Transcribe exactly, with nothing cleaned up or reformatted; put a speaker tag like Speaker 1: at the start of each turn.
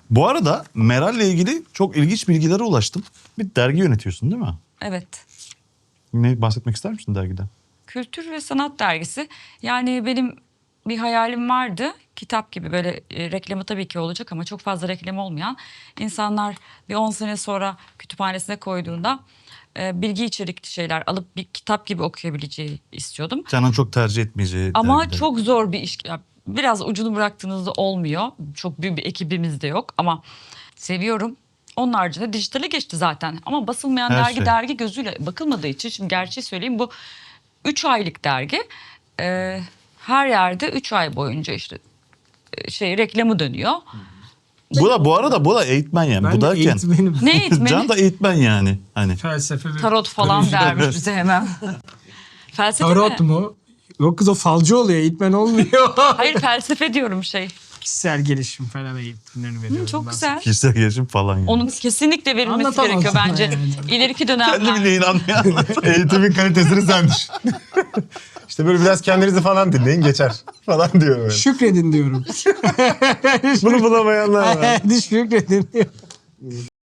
Speaker 1: Bu arada Meral'le ilgili çok ilginç bilgilere ulaştım. Bir dergi yönetiyorsun değil mi?
Speaker 2: Evet.
Speaker 1: Ne bahsetmek ister misin dergiden?
Speaker 2: Kültür ve Sanat Dergisi. Yani benim bir hayalim vardı. Kitap gibi böyle e, reklamı tabii ki olacak ama çok fazla reklam olmayan. İnsanlar bir on sene sonra kütüphanesine koyduğunda e, bilgi içerikli şeyler alıp bir kitap gibi okuyabileceği istiyordum.
Speaker 1: Canın çok tercih etmeyeceği
Speaker 2: Ama
Speaker 1: dergiler.
Speaker 2: çok zor bir iş. Ya biraz ucunu bıraktığınızda olmuyor. Çok büyük bir ekibimiz de yok ama seviyorum. Onun haricinde dijitale geçti zaten. Ama basılmayan
Speaker 1: Her
Speaker 2: dergi
Speaker 1: şey.
Speaker 2: dergi gözüyle bakılmadığı için şimdi gerçeği söyleyeyim bu üç aylık dergi. Ee, her yerde üç ay boyunca işte e, şey reklamı dönüyor.
Speaker 1: Bu da bu arada bu da eğitmen yani.
Speaker 3: Ben
Speaker 1: bu
Speaker 3: de
Speaker 1: derken
Speaker 3: eğitmenim.
Speaker 2: Ne eğitmeni?
Speaker 1: Can da eğitmen yani. Hani
Speaker 3: Felsefe ve
Speaker 2: Tarot falan
Speaker 3: psikoloji.
Speaker 2: dermiş bize hemen. Felsefe
Speaker 3: Tarot
Speaker 2: mi?
Speaker 3: mu? Yok kız o falcı oluyor, eğitmen olmuyor.
Speaker 2: Hayır felsefe diyorum şey.
Speaker 3: Kişisel gelişim falan eğitimlerini veriyorum.
Speaker 2: Çok
Speaker 3: ben.
Speaker 2: güzel.
Speaker 1: kişisel gelişim falan yani.
Speaker 2: Onun kesinlikle verilmesi
Speaker 3: Anlatamam
Speaker 2: gerekiyor
Speaker 3: sana
Speaker 2: bence.
Speaker 3: yani.
Speaker 2: İleriki
Speaker 1: Kendi
Speaker 2: dönemler.
Speaker 1: bile inanmayan.
Speaker 4: Eğitimin kalitesini sen düşün. İşte böyle biraz kendinizi falan dinleyin geçer falan diyor böyle.
Speaker 3: Şükredin diyorum.
Speaker 4: Bunu bulamayanlar var.
Speaker 3: Şükredin diyorum.